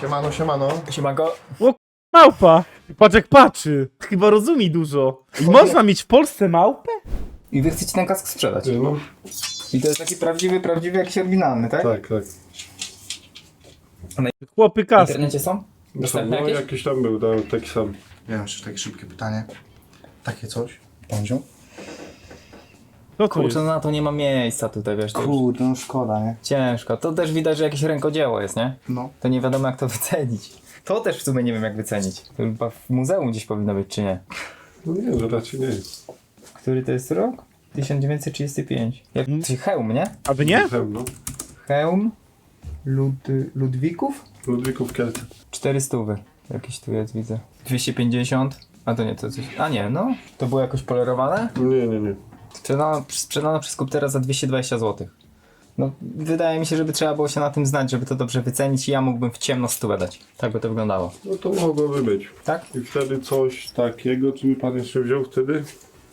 Siemano, siemano. Siemanko. Małpa! Patrz jak patrzy. Chyba rozumie dużo. Można mieć w Polsce małpę? I wy chcecie ten kask sprzedać. No, I to jest taki prawdziwy, jakiś oryginalny, tak? tak, tak. Chłopy W kask. internecie są? Dostępne No, jakieś? jakiś tam był, taki sam. Ja mam jeszcze takie szybkie pytanie. Takie coś? Pądziu? Co to jest? Kurczę, na to nie ma miejsca tutaj, wiesz. To już Kurde, no szkoda, nie? ciężko. To też widać, że jakieś rękodzieło jest, nie? No. To nie wiadomo jak to wycenić. To też w sumie nie wiem jak wycenić. To chyba w muzeum gdzieś powinno być, czy nie? No nie, że raczej nie jest. Który to jest rok? 1935. Jak hełm, nie? A wy nie? No. Hełm Ludwików? Ludwików Kielce. 400. Jakiś tu jest, widzę. 250. A to nie, to coś. A nie, no. To było jakoś polerowane? Nie. Sprzedano przez Kuptera za 220 zł. No, wydaje mi się, żeby trzeba było się na tym znać, żeby to dobrze wycenić i ja mógłbym w ciemno 100 dać. Tak by to wyglądało. No to mogłoby być. Tak? I wtedy coś takiego, czy by pan jeszcze wziął wtedy?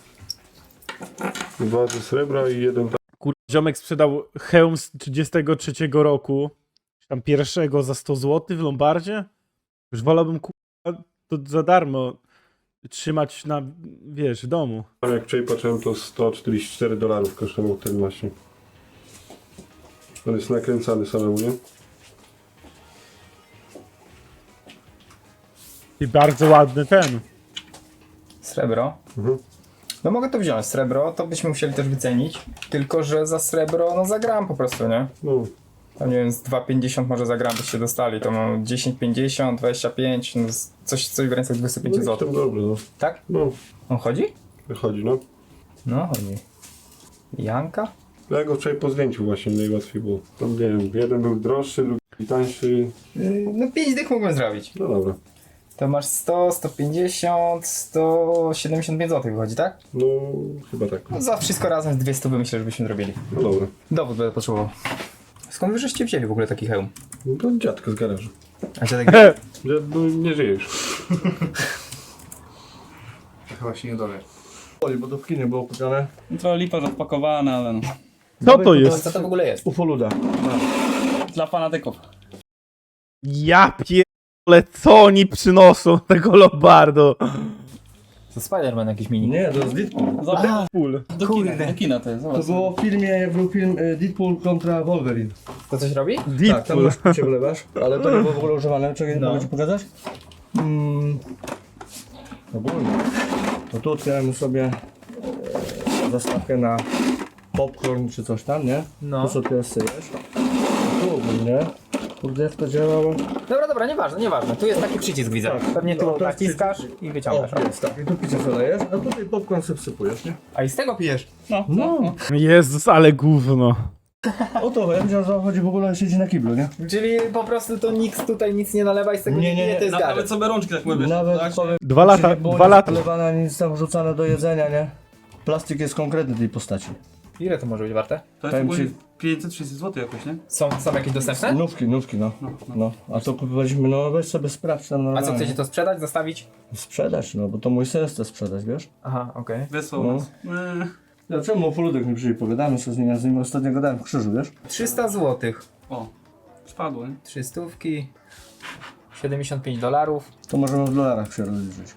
2 ze srebra i 1 Kur... Ziomek sprzedał hełm z 33 roku. Czy tam pierwszego za 100 zł w Lombardzie. Już wolałbym to za darmo trzymać na, wiesz, w domu. tam. Jak wczoraj patrzyłem, to $144 kosztował ten właśnie. On jest nakręcany samemu, nie? I bardzo ładny ten. Srebro. Mhm. No mogę to wziąć, srebro, to byśmy musieli też wycenić. Tylko, że za srebro, no za gram po prostu, nie? No. Tam nie wiem, z 2,50 może za gram byście dostali. To mam 10,50, 25, no coś w granicach 25 No i zł. tam dobrze, no. Tak? No, On chodzi? wychodzi, no. No, chodzi. Janka? Ja go wczoraj po zdjęciu właśnie najłatwiej było. Tam nie wiem, jeden był droższy, drugi tańszy. No 5 dych mógłbym zrobić. No dobra. To masz 100, 150, 175 zł wychodzi, tak? No, chyba tak. No za wszystko razem z 200 myślę, żebyśmy zrobili. No dobra. Dowód będę potrzebował. Skąd wy żeście wzięli w ogóle taki hełm? No to dziadko z garażu. A dziadek... Dziad, no, nie żyje już. Chyba się nie dowie. Bo to w kinie było kupione. Trochę lipa rozpakowane, ale no. Co to jest? Co to w ogóle jest? Ufoluda. Dla fanatyków. Ja pierdolę, co oni przynoszą tego Lombardo? To Spider-Man jakiś mini. Nie, to jest Deadpool. Zobacz, Pól. do kina to jest, To zobacz. było w filmie, był film Deadpool kontra Wolverine. To coś robi? Tak, tam Deadpool. masz picie wlewasz, ale to nie było w ogóle używane. Czekaj, No. mogę ci pokazać? Ogólnie. To tu otwieramy sobie zastawkę na popcorn czy coś tam, nie? No. Tu sobie syjesz. Tu ogólnie. Kurde, jak to działało? Dobra, nieważne. Tu jest taki przycisk, widzę. Tak. Pewnie tu No, to jest naciskasz i wyciągasz. O, jest tak. I tu picie sobie lejesz, a tutaj popcorn sobie wsypujesz, nie? A i z tego pijesz? No. Jezus, ale gówno. O to, ja wiedziałem, że on chodzi w ogóle siedzi na kiblu, nie? Czyli po prostu to nikt tutaj nic nie nalewa i z tego Nie, nie nie, pije, to jest Nawet gadżet. sobie rączki tak mówisz. Nawet tak? powiem, 2 lata, nie było 2 nic lata. polewane, nic tam wrzucane do jedzenia, nie? Plastik jest konkretny tej postaci. Ile to może być warte? To jest powiem ogólnie ci- 500-600 zł jakoś, nie? Są jakieś dostępne? Nówki, no. No, a to kupowaliśmy, no weź sobie sprawdź tam A normalnie. co, chcecie to sprzedać, zostawić? Sprzedać, no, bo to mój sens chce sprzedać, wiesz? Aha, okej. Wysłał No. nas. Ja czemu o poludek nie przyjdzie, pogadamy sobie z nim ostatnio gadałem w krzyżu, wiesz? 300 zł. O, spadło, nie? 300, $75. To możemy w dolarach się rozliczyć.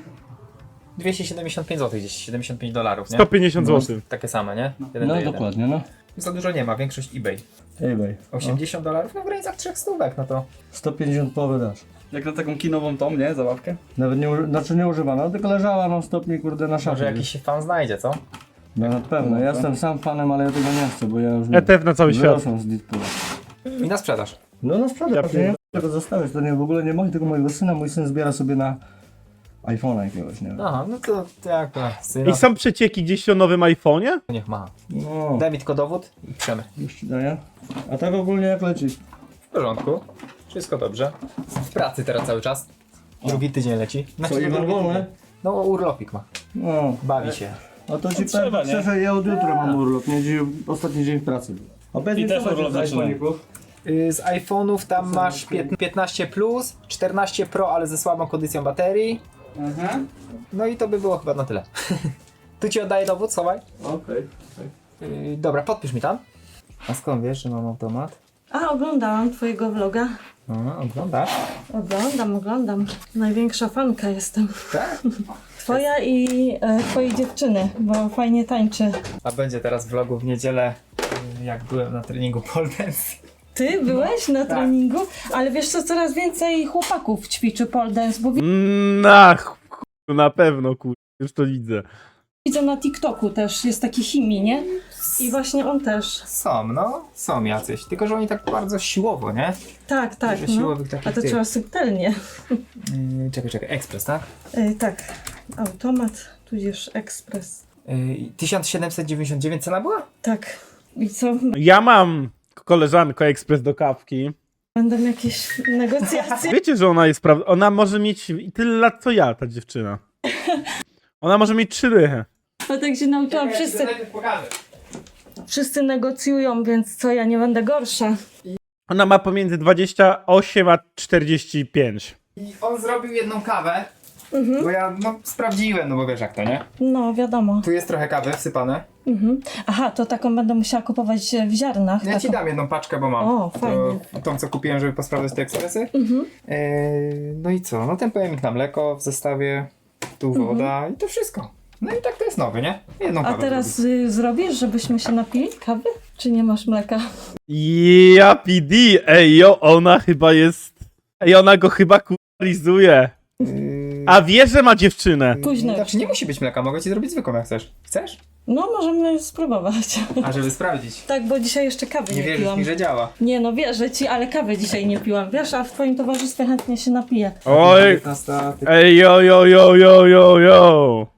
275 zł gdzieś, $75, nie? 150 zł. Takie same, nie? Jeden No do jeden. dokładnie, no. Za dużo nie ma, większość eBay. eBay. $80, no w granicach 300, no to... 150 połowy dasz. Jak na taką kinową tą, nie? Zabawkę. Nawet nie używana, tylko leżała non stopnie, kurde, na szafie. Może jakiś się fan znajdzie, co? No na pewno, ja jestem sam fanem, ale ja tego nie chcę, bo ja już ETF na cały świat. wyrosłem z Deadpoola. I na sprzedaż. No na sprzedaż, Ja ja nie chcę tego zostawiać, to nie, w ogóle nie moje, tylko mojego syna, mój syn zbiera sobie na iPhone'a jakiegoś, nie wiem. Aha, no to jak to, syna, I są przecieki gdzieś o nowym iPhone'ie? niech ma. No, Daj mi tylko dowód i piszemy. już ci daję. A tak ogólnie jak leci? W porządku, wszystko dobrze. W pracy teraz cały czas. Drugi tydzień leci. Co, drugi Iwan wolny? tydzień. No urlopik ma, No, bawi się. a to ci trzeba, powiem nie? szczerze, ja od jutra mam urlop, nie dziś, ostatni dzień w pracy. A powiedz I mi, też co urlop macie z zaczyna. iPhone'ików? Z iPhone'ów tam masz 15 Plus, 14 Pro, ale ze słabą kondycją baterii. Aha. No i to by było chyba na tyle. Tu ci oddaję dowód, schowaj. Okej. Dobra, podpisz mi tam. A skąd wiesz, że mam automat? A oglądałam twojego vloga. Oglądasz? Oglądam. Największa fanka jestem. Tak? Twoja i twojej dziewczyny, bo fajnie tańczy. A będzie teraz vlogu w niedzielę, jak byłem na treningu pole dance. Ty byłeś na treningu? Ale wiesz co, coraz więcej chłopaków ćwiczy pole dance, bo Na pewno, już to widzę. widzę na TikToku też, jest taki Himi, nie? I właśnie on też. Są jacyś, tylko że oni tak bardzo siłowo, nie? Tak, Dużo no. siłowych takich A to tych. trzeba subtelnie. Czekaj, ekspres, tak? Tak, automat, tudzież ekspres. 1799 cena była? Tak. I co? Ja mam koleżankę ekspres do kawki. Będą jakieś negocjacje? Wiecie, że ona jest ona może mieć tyle lat co ja, ta dziewczyna. Ona może mieć 3 dychy. No tak się nauczyłam, wszyscy negocjują, więc co, ja nie będę gorsza. Ona ma pomiędzy 28 a 45. I on zrobił jedną kawę, bo ja sprawdziłem, no bo wiesz jak to, nie? No, wiadomo. Tu jest trochę kawy wsypane. Aha, to taką będę musiała kupować w ziarnach. Ja ci taką. dam jedną paczkę, bo mam. O, fajnie. Tą, co kupiłem, żeby posprawdzać te ekspresy. No i co? No ten pojemnik na mleko w zestawie, tu woda i to wszystko. No i tak to jest nowy, nie? Jedną A kawę teraz zrobił. zrobisz, żebyśmy się napili kawy? Czy nie masz mleka? Ja PD, ona chyba jest... ona go chyba kurizuje. A wie, że ma dziewczynę. Późno. Znaczy nie musi być mleka, mogę ci zrobić zwykłą jak chcesz. Chcesz? No, możemy spróbować. A żeby sprawdzić. Tak, bo dzisiaj jeszcze kawy Nie nie wierzysz piłam. mi, że działa. Nie no, wierzę ci, ale kawy dzisiaj nie piłam. Wiesz, a w twoim towarzystwie chętnie się napiję. Oj, 19, jo.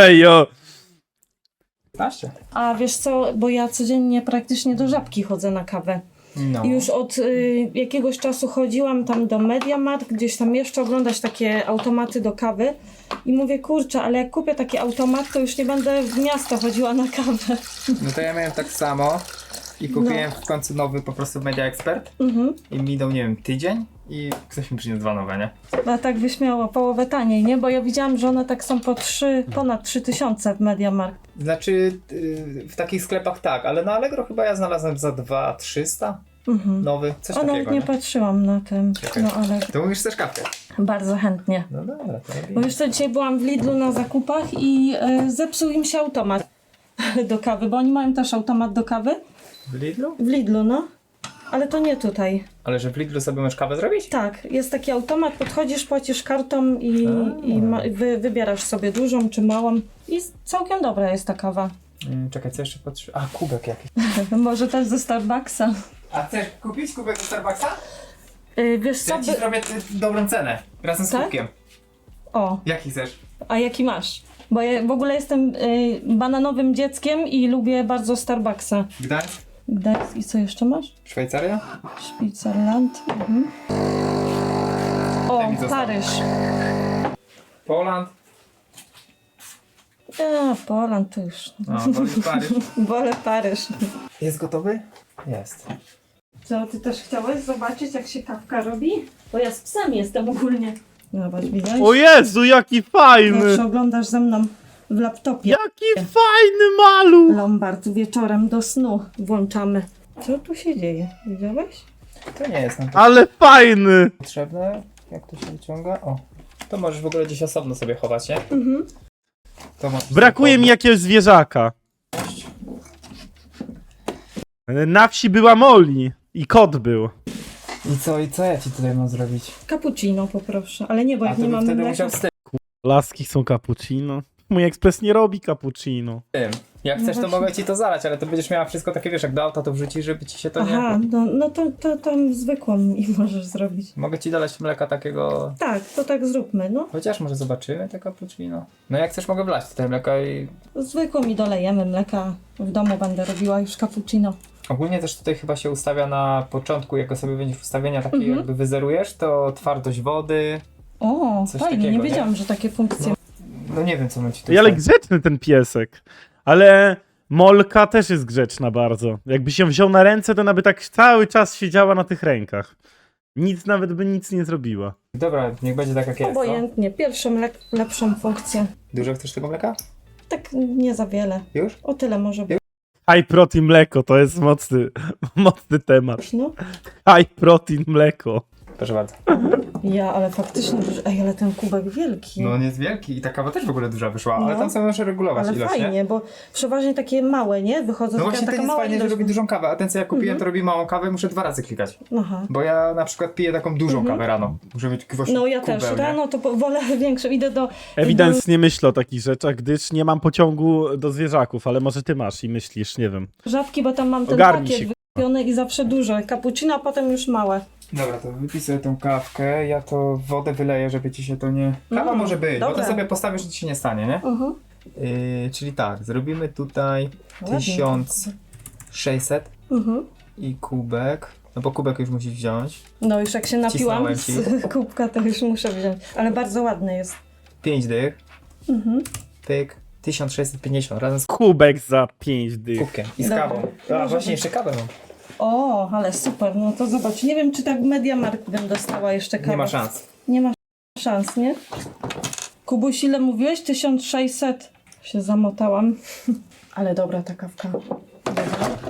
15. A wiesz co, bo ja codziennie praktycznie do Żabki chodzę na kawę. No. I już od jakiegoś czasu chodziłam tam do MediaMarkt, gdzieś tam jeszcze oglądać takie automaty do kawy. I mówię, kurczę, ale jak kupię taki automat, to już nie będę w miasto chodziła na kawę. No to ja miałem tak samo i kupiłem w końcu nowy po prostu Media Expert i minął, nie wiem, tydzień i ktoś mi przyniósł 2 nowe, nie? A tak wyśmiało, połowę taniej, nie? Bo ja widziałam, że one tak są po ponad 3000 w MediaMarkt. Znaczy w takich sklepach tak, ale na Allegro chyba ja znalazłem za 2300 nowy, coś O, takiego, nawet nie nie? patrzyłam na tym, Czekaj. no ale To mówisz też kawkę. bardzo chętnie. No dobra, to Bo robimy. już to dzisiaj byłam w Lidlu na zakupach i zepsuł im się automat do kawy, bo oni mają też automat do kawy. W Lidlu? W Lidlu, no. Ale to nie tutaj. Ale że w Lidlu sobie możesz kawę zrobić? Tak, jest taki automat, podchodzisz, płacisz kartą i wybierasz sobie dużą czy małą. I całkiem dobra jest ta kawa. Czekaj, co jeszcze patrzę? A, kubek jakiś. Może też ze Starbucksa. A chcesz kupić kubek do Starbucksa? Wiesz co? Ja ci zrobię dobrą cenę, razem z Tak? kubkiem. O, Jaki chcesz? a jaki masz? Bo ja w ogóle jestem bananowym dzieckiem i lubię bardzo Starbucksa. Gdańsk? Gdańsk i co jeszcze masz? Szwajcaria? Switzerland. O, Daj mi zostaw. Paryż. Poland? Poland to już. No, wolisz Paryż. Wolę Paryż. Jest gotowy? Jest. Co, ty też chciałeś zobaczyć, jak się kawka robi? Bo ja z psem jestem ogólnie. Zobacz, widać? O Jezu, jaki fajny! Zawsze oglądasz ze mną w laptopie. Jaki fajny maluch! Lombard wieczorem do snu włączamy. Co tu się dzieje? Widziałeś? To nie jest nam Ale fajny! potrzebne. Jak to się wyciąga? O. To możesz w ogóle gdzieś osobno sobie chować, nie? To możesz Brakuje mi jakiegoś zwierzaka. Na wsi była Molly i kot był. I co ja ci tutaj mam zrobić? Cappuccino poproszę, ale nie, bo A jak to nie bym mamy wtedy mleka... musiał z Laski są cappuccino. Mój ekspres nie robi cappuccino. tym. Jak chcesz, to właśnie. mogę ci to zalać, ale to będziesz miała wszystko takie, wiesz, jak do auta to wrzucisz, żeby ci się to nie... Aha, no to tam zwykłą mi możesz zrobić. Mogę ci dolać mleka takiego... Tak, to tak zróbmy, no. Chociaż może zobaczymy te cappuccino. No jak chcesz, mogę wlać tutaj mleka i... Zwykłą mi dolejemy mleka. W domu będę robiła już cappuccino. Ogólnie też tutaj chyba się ustawia na początku, jak sobie będziesz ustawienia takie jakby wyzerujesz, to twardość wody... O, Coś fajnie, takiego, nie nie? wiedziałam, że takie funkcje. No nie wiem, co my ci tu Ale ustawić. grzeczny ten piesek. Ale Molka też jest grzeczna bardzo. Jakby się wziął na ręce, to ona by tak cały czas siedziała na tych rękach. Nawet by nic nie zrobiła. Dobra, niech będzie tak jak jest, co? Obojętnie, pierwszą lepszą funkcję. Dużo chcesz tego mleka? Tak nie za wiele. Już? O tyle może być. High protein mleko to jest mocny temat. No. High protein mleko. Proszę bardzo. Ja, ale faktycznie duży. Ej, ale ten kubek wielki. No on jest wielki i ta kawa też w ogóle duża wyszła, ale No. tam sobie muszę regulować ale ilość, fajnie, nie? bo przeważnie takie małe, nie? Wychodzą No taka, właśnie taka ten jest mała fajnie, że ilość. robi dużą kawę, a ten co ja kupiłem to robi małą kawę, muszę 2 razy klikać. Aha. Bo ja na przykład piję taką dużą kawę rano. Muszę mieć właśnie No ja kubeł, też. nie? Rano to wolę większą. Idę do... Ewidentnie myślę o takich rzeczach, gdyż nie mam pociągu do zwierzaków, ale może ty masz i myślisz, nie wiem. Żabki, bo tam mam ten Ogarnij pakiet się, wykupiony i zawsze duże. Cappuccino, a potem już małe. Dobra, to wypisuję tą kawkę, ja to wodę wyleję, żeby ci się to nie... Kawa może być, bo dobra. to sobie postawisz, że ci się nie stanie, nie? Czyli tak, zrobimy tutaj Ładnie. 1600 i kubek. No bo kubek już musisz wziąć. No już jak się napiłam Wcisnąłem z kubka, to już muszę wziąć. Ale bardzo ładny jest. 5 dych. Pyk. 1650 razem z Kubek za 5 dych. kubkiem i z Dobra. kawą. Może A właśnie, być. jeszcze kawę mam. O, ale super. No to zobacz. Nie wiem, czy tak w MediaMarkt bym dostała jeszcze kawę. Nie ma szans. Nie ma szans, nie? Kubuś, ile mówiłeś? 1600. Się zamotałam. Ale dobra ta kawka. Dobra.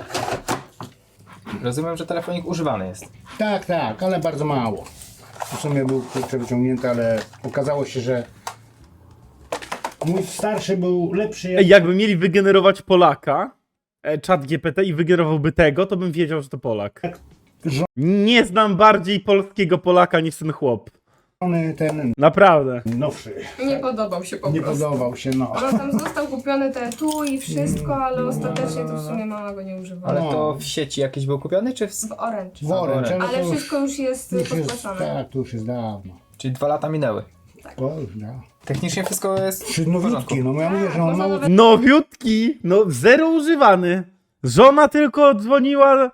Rozumiem, że telefonik używany jest. Tak, tak, ale bardzo mało. W sumie był kurczę wyciągnięty, ale okazało się, że mój starszy był lepszy. Ej, jakby mieli wygenerować Polaka, czat GPT i wygenerowałby tego, to bym wiedział, że to Polak. Nie znam bardziej polskiego Polaka niż ten chłop. Ten Naprawdę. nowszy. Nie podobał się po Nie prostu. podobał się, no. On tam został kupiony te tu i wszystko, ale ostatecznie to w sumie mama go nie używała. Ale to w sieci jakiś był kupiony, czy w... W Orange. Worem, Ale Ale wszystko już jest już jest, podpłacone. tak, to już jest dawno. Czyli 2 lata minęły. To już da. Technicznie wszystko jest Czy w porządku. nowiutki, no ja mówię, że on można mało... nawet- Nowiutki, no zero używany. Żona tylko dzwoniła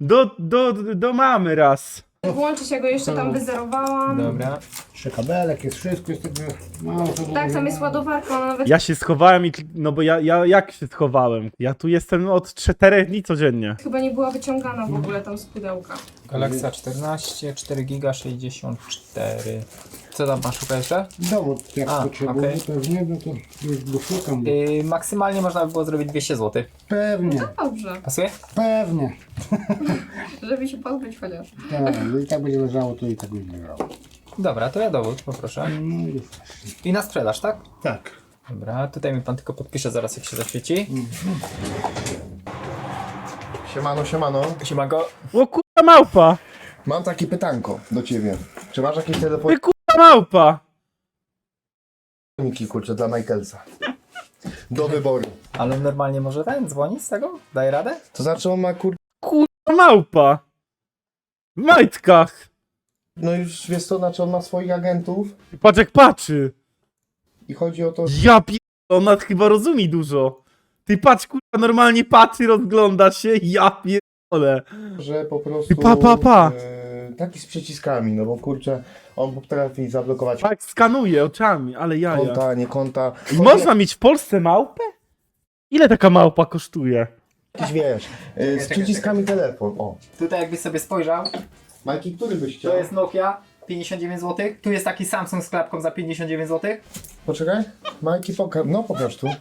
do mamy raz. Włączyć, ja go jeszcze tam wyzerowałam. Dobra. Jeszcze kabelek, jest wszystko, jest tego mało. To Tak, tam jest ładowarka, ona nawet Ja się schowałem i... No bo ja jak się schowałem? Ja tu jestem od 4 dni codziennie. chyba nie była wyciągana w ogóle tam z pudełka. Galaxia 14, 4 giga 64. Co tam masz szukać jeszcze? Dowód, jak A, potrzebuje, okej. pewnie, no to już go szukam. Maksymalnie można by było zrobić 200 zł. Pewnie, Dobrze, Pasuje? pewnie. żeby się pozbyć chociaż. Tak, no i tak będzie leżało, to i tak będzie leżało. Dobra, to ja dowód poproszę. No i I na sprzedaż, tak? tak. Dobra, tutaj mi pan tylko podpisze zaraz jak się zaświeci. Siemano, siemano. Siemanko. O kurwa małpa! Mam takie pytanko do ciebie. Czy masz jakieś Ty telefoniki, kurwa małpa! kurczę, dla Michaelsa? Do wyboru. Ale normalnie może ten dzwonić z tego? Daje radę? To znaczy on ma Kurwa małpa! W majtkach! no już wiesz co, znaczy on ma swoich agentów Patrz jak patrzy! i chodzi o to, Ja pier... Ona chyba rozumie dużo. Ty patrz kurwa, normalnie patrzy, rozgląda się, ja pierdolę. że po prostu Pa. taki z przyciskami, no bo kurczę, on potrafi zablokować Tak skanuje oczami, ale jaja. konta, nie konta. Można mieć w Polsce małpę? Ile taka małpa kosztuje? Jakiś wiesz, z przyciskami telefon. O. Tutaj jakbyś sobie spojrzał, Majki, który byś chciał? to jest Nokia 59 zł. Tu jest taki Samsung z klapką za 59 zł. Poczekaj. Majki, pokaż tu.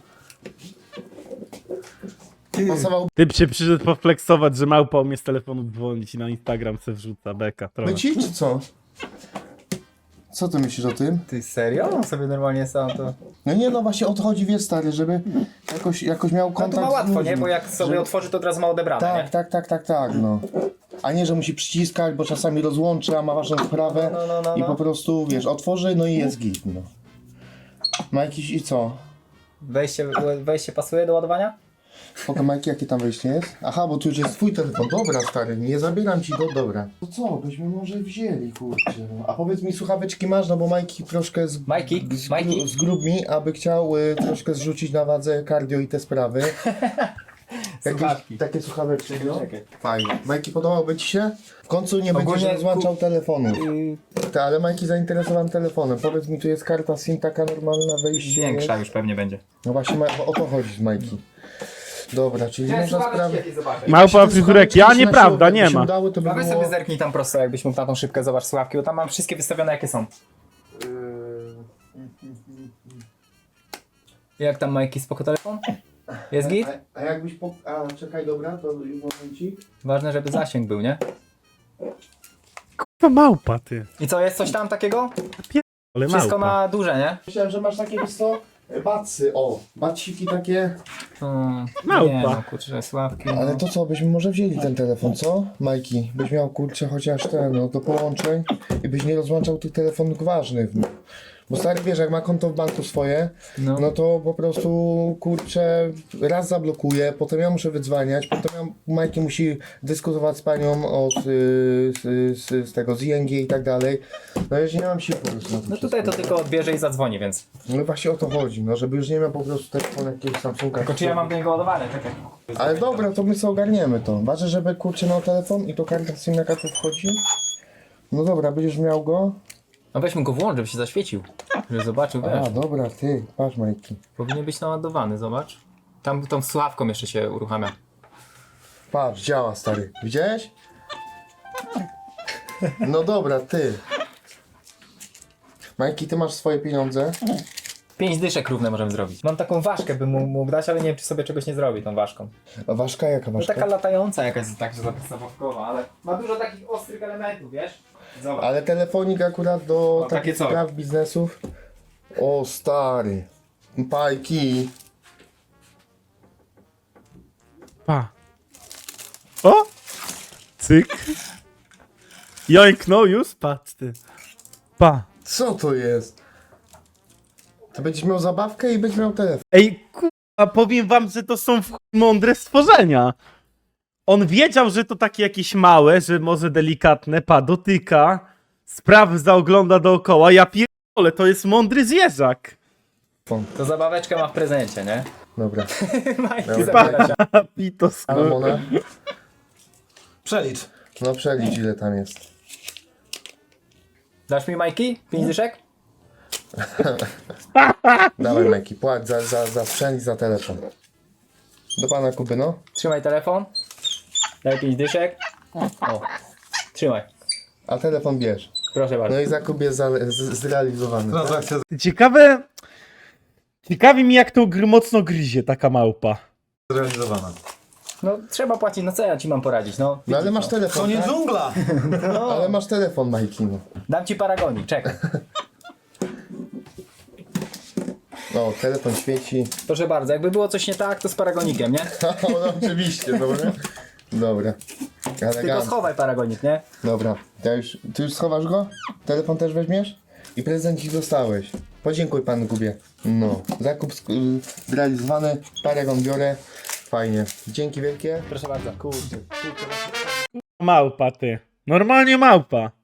Pasował Typ się przyszedł poflexować, że małpa umie z telefonu dzwonić i na Instagram se wrzuca beka trochę. by ci, czy co? Co ty myślisz o tym? Ty serio? On sobie normalnie sam to... No nie, no właśnie o to chodzi, wiesz stary, żeby jakoś miał No kontakt to ma z łatwo, ludźmi. nie? Bo jak sobie Że- otworzy, to od razu ma odebrane, Tak, no. A nie, że musi przyciskać, bo czasami rozłączy, a ma ważną sprawę No. i po prostu, wiesz, otworzy, no i jest git, no. Ma jakiś, i co? Wejście pasuje do ładowania? Spoko, Majki, jakie tam wejście jest? Aha, bo tu już jest twój telefon. Dobra, stary, nie zabieram ci go, dobra. To co, byśmy może wzięli, kurczę. No. A powiedz mi, słuchaweczki masz, no bo Majki troszkę Majki? zgrób mi, aby chciał troszkę zrzucić na wadze cardio i te sprawy. Słuchawki. Takie słuchaweczki, no. Czekaj. Fajnie. Majki, podobałby ci się? W końcu nie Ogólnie będziesz rozłączał telefonu. Yy, Tak, ale Majki zainteresowany telefonem. Powiedz mi, tu jest karta SIM taka normalna, wejście. Większa już pewnie będzie. No właśnie, bo o to chodzi z Majki. Dobra, czyli można sprawdzić. Małpa fryzurek, ja nieprawda, nie ma. Udało, to by Prawie było... sobie zerknij tam prosto, jakbyś mógł na tą szybkę zobacz słuchawki, bo tam mam wszystkie wystawione jakie są. Jak tam Majki, spoko telefon? Jest git? A jakbyś A, czekaj, dobra, to momencik. Ważne, żeby zasięg był, nie? To małpa, ty. I co, jest coś tam takiego? Ale Wszystko małpa. na duże, nie? Myślałem, że masz takie, wiesz co, bacy, o, baciki takie. Nie Małpa. no, kurczę, sławki. No. Ale to co, byśmy może wzięli ten telefon, co? Majki, byś miał kurczę chociaż ten, no do połączeń i byś nie rozłączał tych telefonów ważnych. Bo stary, wiesz, jak ma konto w banku swoje, No. no to po prostu kurczę raz zablokuje, potem ja muszę wydzwaniać, potem Majki musi dyskutować z panią od z tego, z ING i tak dalej. No ja już nie mam siły po prostu na to No tutaj to tylko odbierze i zadzwoni, więc. No właśnie o to chodzi, no żeby już nie miał po prostu telefonu jakiegoś Samsunga. Tylko czy ja mam do niego ładowane, czekaj. Ale dobra, to my sobie ogarniemy to. Ważne, żeby kurczę miał telefon i to karta SIM jaka tu wchodzi. No dobra, będziesz miał go. No weźmy go włącz, żeby się zaświecił. Żeby zobaczył, wiesz. A, dobra, ty, patrz Majki. Powinien być naładowany, zobacz. Tam tą słuchawką jeszcze się uruchamia. Patrz, działa stary. Widziałeś? No dobra, ty. Majki, ty masz swoje pieniądze. 5 dyszek równe możemy zrobić. Mam taką ważkę, bym mógł dać, ale nie wiem, czy sobie czegoś nie zrobi tą ważką. A ważka jaka No ważka? taka latająca jakaś, tak że zabawkowa, ale ma dużo takich ostrych elementów, wiesz? Zobacz. Ale telefonik akurat do takie takich co? spraw biznesów. O stary. Pajki. Pa. O! Cyk. Jońknął już? Patrz ty. Pa. Co to jest? To będziesz miał zabawkę i będziesz miał telefon. Ej, kurwa, powiem wam, że to są w chuj mądre stworzenia. On wiedział, że to takie jakieś małe, że może delikatne, dotyka, sprawdza, ogląda dookoła. Ja pierdolę, to jest mądry zwierzak. To zabaweczkę ma w prezencie, nie? Dobra. Majki Dobra. zabiera się. Pitos. Ramona? Przelicz. No przelicz ile tam jest. Dasz mi Majki? 5 dyszek? Dawaj Majki, płać za sprzęt i za telefon. Do pana Kuby, no. Trzymaj telefon. Daj 5 dyszek. O. Trzymaj. A telefon bierz. Proszę bardzo. No i zakup jest zrealizowany. Transakcja Ciekawe... Ciekawi mi, jak to mocno gryzie taka małpa. zrealizowana. No trzeba płacić, no co ja ci mam poradzić, no. No ale masz telefon, To nie tak? dżungla! Ale masz telefon, Majki, no. Dam ci paragonik, czekaj. No, telefon świeci. Proszę bardzo, jakby było coś nie tak, to z paragonikiem, nie? No oczywiście, dobra. Dobra. Tylko Elegancko. schowaj paragonik, nie? Dobra. Ty już schowasz go? Telefon też weźmiesz? I prezencik dostałeś. Podziękuj panu Kubie. No. Zakup zrealizowany. Paragon biorę. Fajnie. Dzięki wielkie. Proszę bardzo. Kurczę. Małpa, ty. Normalnie małpa.